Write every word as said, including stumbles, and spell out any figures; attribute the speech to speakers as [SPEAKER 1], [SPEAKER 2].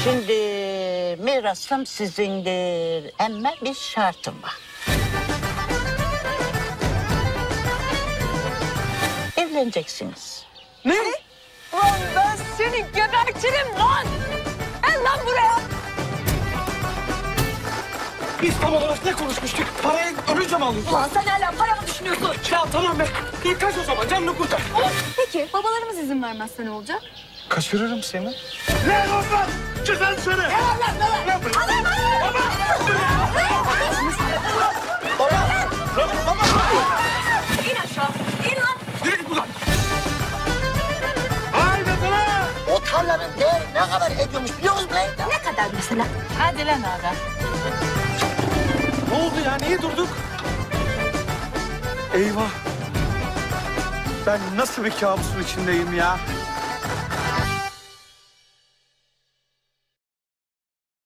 [SPEAKER 1] Şimdi mirasım sizindir ama bir şartım var. Evleneceksiniz.
[SPEAKER 2] Ne? Lan ben seni gebertirim lan! Gel lan buraya!
[SPEAKER 3] Biz tam olarak ne konuşmuştuk? Parayı ölünce mi alıyorsun?
[SPEAKER 2] Ulan sen hala para mı düşünüyorsun?
[SPEAKER 3] Ya tamam be. İyi kaç o zaman canını kurtar.
[SPEAKER 2] Peki babalarımız izin vermezse ne olacak?
[SPEAKER 3] Kaçırırım seni. Ne lan? Çıkar seni. Ne lan ne lan? Baba! Baba! Baba!
[SPEAKER 2] İn aşağı, in lan!
[SPEAKER 3] Yürü git buradan. Haydi sana!
[SPEAKER 1] O tarlanın değeri ne kadar ediyormuş biliyor musun lan?
[SPEAKER 2] Ne kadar mesela?
[SPEAKER 1] Hadi lan aga.
[SPEAKER 3] Ne oldu ya? Niye durduk? Eyvah. Ben nasıl bir kabusun içindeyim ya?